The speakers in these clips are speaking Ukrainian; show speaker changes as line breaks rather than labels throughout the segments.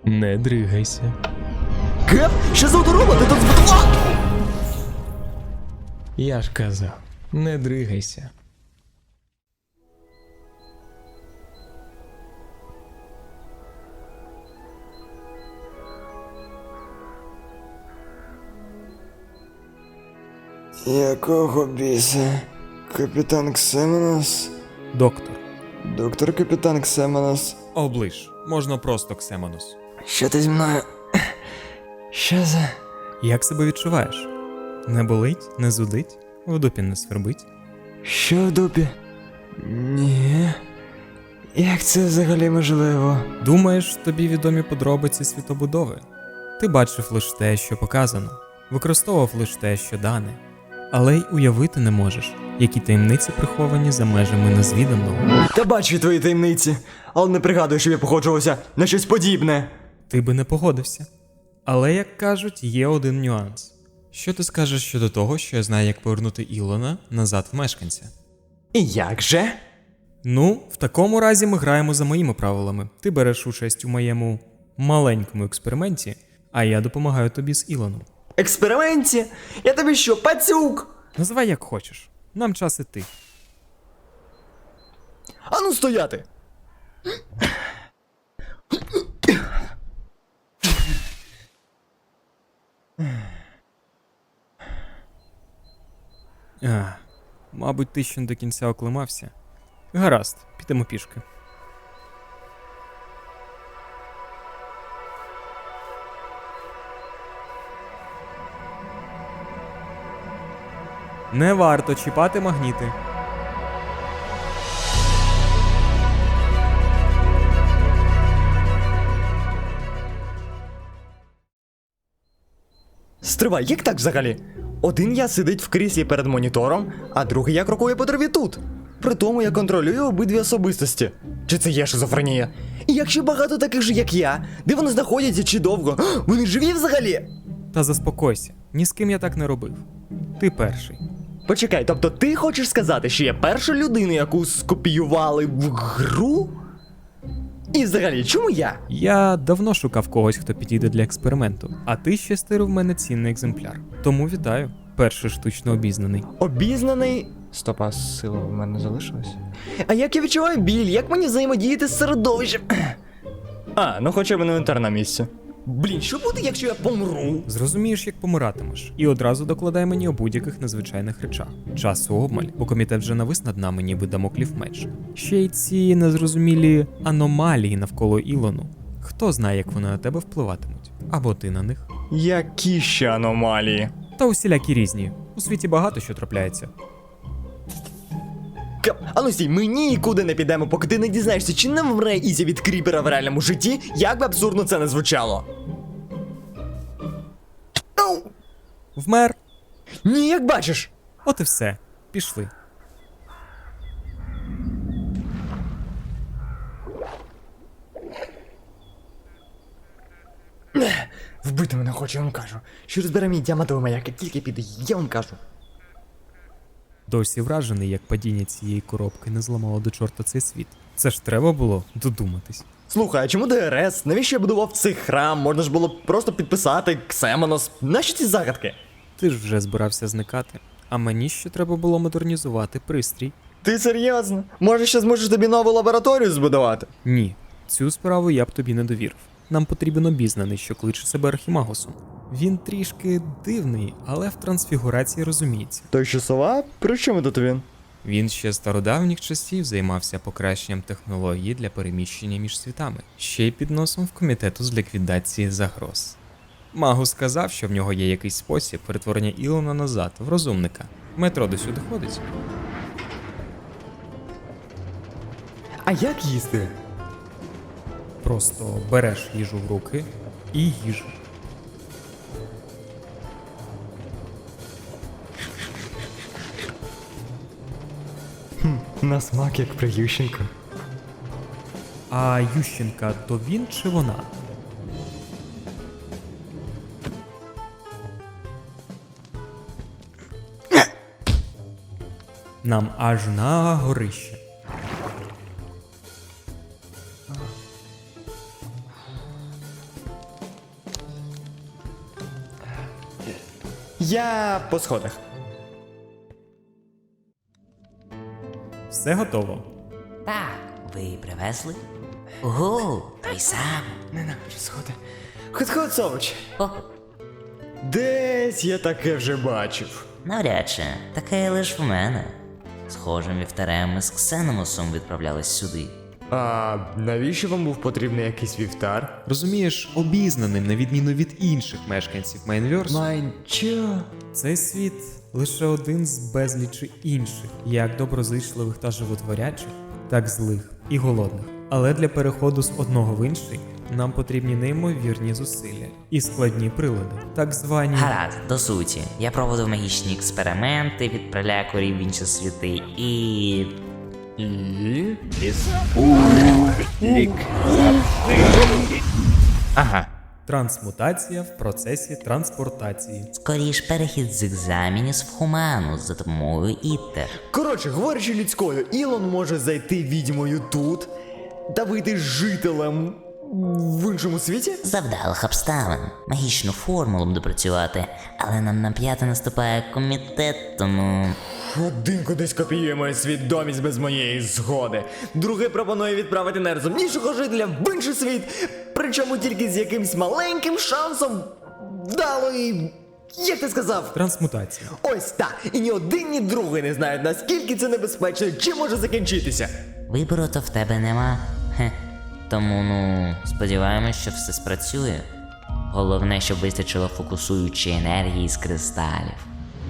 Не дригайся.
Кеп? Що за дорога? Ти тут збудував?
Я ж казав, не дригайся.
Якого біса? Капітан Ксеменос?
Доктор.
Доктор Капітан Ксеменос?
Оближ. Можна просто Ксемонос.
Що ти зі мною? Що за...
Як себе відчуваєш? Не болить, не зудить, в дупі не свербить.
Що в дупі? Ні. Як це взагалі можливо?
Думаєш, тобі відомі подробиці світобудови? Ти бачив лише те, що показано, використовував лише те, що дане. Але й уявити не можеш, які таємниці приховані за межами незвіданого.
Та бачу твої таємниці, але не пригадую, щоб я походжувався на щось подібне.
Ти би не погодився. Але, як кажуть, є один нюанс. Що ти скажеш щодо того, що я знаю, як повернути Ілона назад в мешканця?
І як же?
Ну, в такому разі ми граємо за моїми правилами. Ти береш участь у моєму маленькому експерименті, а я допомагаю тобі з Ілоном.
Експерименті? Я тобі що, пацюк?
Називай як хочеш. Нам час іти.
Ану стояти!
Мабуть, ти ще не до кінця оклимався. Гаразд, підемо пішки. Не варто чіпати магніти.
Стривай, як так взагалі? Один я сидить в кріслі перед монітором, а другий я крокує по траві тут. При тому я контролюю обидві особистості. Чи це є шизофренія? І якщо багато таких же, як я, де вони знаходяться чи довго, вони живі взагалі?
Та заспокойся, ні з ким я так не робив. Ти перший.
Почекай, тобто ти хочеш сказати, що я перша людина, яку скопіювали в гру? І взагалі, чому я?
Я давно шукав когось, хто підійде для експерименту, а ти ще стирив в мене цінний екземпляр. Тому вітаю, перший штучно обізнаний.
Обізнаний. Стопа, сила в мене залишилась. А як я відчуваю біль, як мені взаємодіяти з середовищем? А, ну хоча б інвентар на місці. Блін, що буде, якщо я помру?
Зрозумієш, як помиратимеш, і одразу докладай мені у будь-яких незвичайних речах. Часу обмаль, бо комітет вже навис над нами, ніби дамоклів меч. Ще й ці незрозумілі аномалії навколо Ілону. Хто знає, як вони на тебе впливатимуть? Або ти на них.
Які ще аномалії?
Та усілякі різні. У світі багато що трапляється.
А ну стій, ми нікуди не підемо, поки ти не дізнаєшся, чи не вмре Ізі від кріпера в реальному житті, як би абсурдно це не звучало. Ау!
Вмер.
Ні, як бачиш.
От і все. Пішли.
Вбити мене хоче, я вам кажу. Що розбере мій діамантовий маяк, як тільки піде, я вам кажу.
Досі вражений, як падіння цієї коробки не зламало до чорта цей світ. Це ж треба було додуматись.
Слухай, а чому ДРС? Навіщо я будував цей храм? Можна ж було просто підписати Ксемонос. Нащо ці загадки?
Ти ж вже збирався зникати, а мені ще треба було модернізувати пристрій.
Ти серйозно? Може, ще зможеш тобі нову лабораторію збудувати?
Ні, цю справу я б тобі не довірив. Нам потрібен обізнаний, що кличе себе Архімагосом. Він трішки дивний, але в трансфігурації розуміється.
Той що сова? При чому тут він?
Він ще з стародавніх часів займався покращенням технології для переміщення між світами, ще й під носом в комітету з ліквідації загроз. Магус сказав, що в нього є якийсь спосіб перетворення Ілона назад в розумника. Метро до сюди ходить.
А як їсти?
Просто береш їжу в руки і їж.
На смак як при Ющенко.
А Ющенка то він чи вона? Нам аж на горище.
Я по сходах.
Все готово.
Так, ви привезли? Ого, той сам.
Ненавиджу сходи. Ход-ход, Сович.
О,
Десь я таке вже бачив.
навряд чи, таке лиш в мене. Схожим вівтарем ми з Ксеномусом відправлялись сюди.
А навіщо вам був потрібний якийсь вівтар?
Розумієш, обізнаним, на відміну від інших мешканців Майнверсу,
Чо?
цей світ лише один з безлічі інших, як доброзичливих та животворячих, так злих і голодних. Але для переходу з одного в інший нам потрібні неймовірні зусилля і складні прилади, так звані.
Гаразд, до суті. Я проводив магічні експерименти, відправляю корів в інші світи і...
Ага.
Трансмутація в процесі транспортації.
скоріш перехід з екзамінів в Хуманус за допомогою Іттер.
Коротше, говорячи людською, Ілон може зайти відьмою тут та вийти жителем в іншому світі?
Завдалих обставин. Магічну формулу буду працювати, але нам на п'яте наступає комітет, тому...
Один кудись копіює мою свідомість без моєї згоди. Другий пропонує відправити найрозумнішого жителя в інший світ, причому тільки з якимсь маленьким шансом вдалої... Як ти сказав?
Трансмутація.
Ось так. І ні один, ні другий не знають, наскільки це небезпечно і чим може закінчитися.
Вибору то в тебе нема. Хе. Тому, сподіваємось, що все спрацює. Головне, щоб вистачило фокусуючої енергії з кристалів.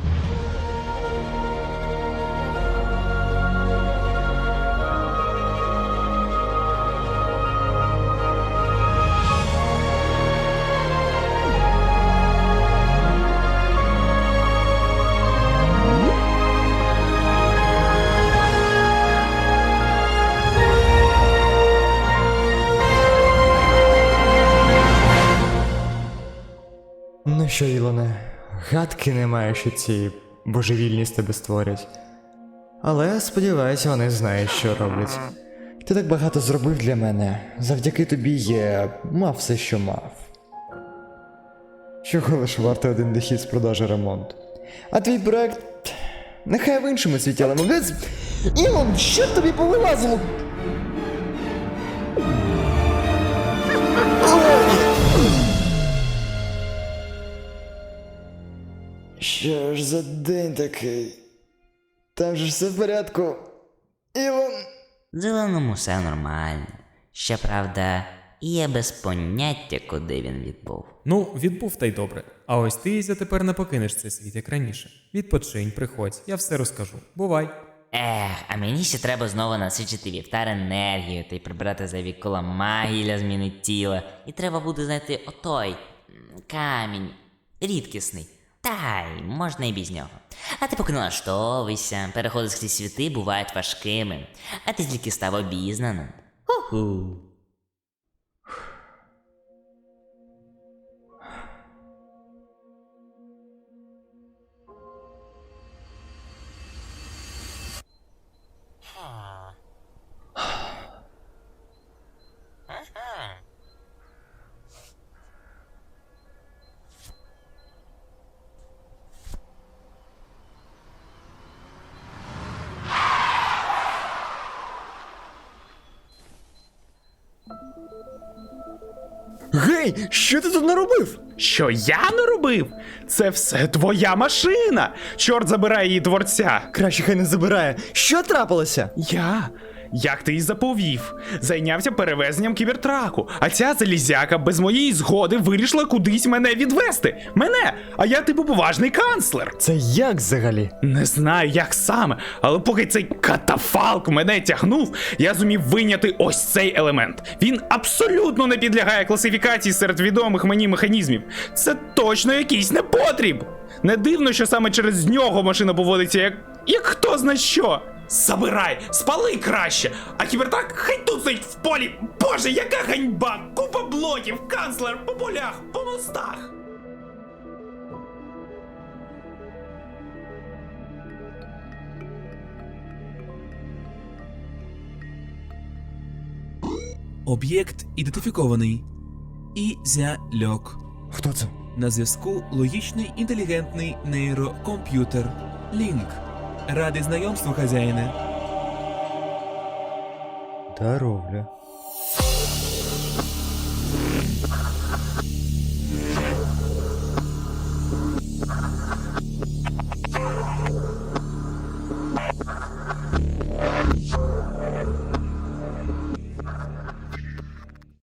Ну що, Ілоне, гадки немає, що ці божевільні з тебе створять. Але сподіваюся, вони знають, що роблять. Ти так багато зробив для мене. Завдяки тобі я мав все, що мав. Чого лиш варто один дохід з продажу ремонту. А твій проект... Нехай в іншому світі, але молодець... Ілон, що тобі повилазило? Що ж за день такий? Там же ж все в порядку. Ілон.
Зеленому все нормально. Щоправда, є без поняття, куди він відбув.
Ну, відбув та й добре. А ось ти, Ізя, тепер не покинеш цей світ, як раніше. Відпочинь, приходь, я все розкажу. Бувай.
А мені ще треба знову насичити вівтар енергію та й прибрати зайві кола магії для зміни тіла. І треба буде знайти камінь, рідкісний. Та й можна і без нього. А ти поки налаштовуйся, переходи з світи бувають важкими, а ти тільки став обізнаним. Ху-ху.
Гей, що ти тут наробив?
Що я не робив? Це все твоя машина! Чорт забирай її творця!
Краще хай не забирає. Що трапилося?
Я, як ти й заповів, зайнявся перевезенням кібертраку, а ця залізяка без моєї згоди вирішила кудись мене відвести. Мене! А я типу поважний канцлер.
Це як взагалі?
Не знаю, як саме, але поки цей катафалк мене тягнув, я зумів вийняти ось цей елемент. Він абсолютно не підлягає класифікації серед відомих мені механізмів. Це точно якийсь непотріб. Не дивно, що саме через нього машина поводиться як хто зна що. Забирай, спали краще, а кібертак хай тут стоїть в полі. Боже, яка ганьба! Купа блоків, канцлер по полях, по мостах.
Об'єкт ідентифікований. Ізяльок.
Хто це?
На зв'язку логічний інтелігентний нейрокомп'ютер. Лінк. Радий знайомству, хазяїне.
Здоровля.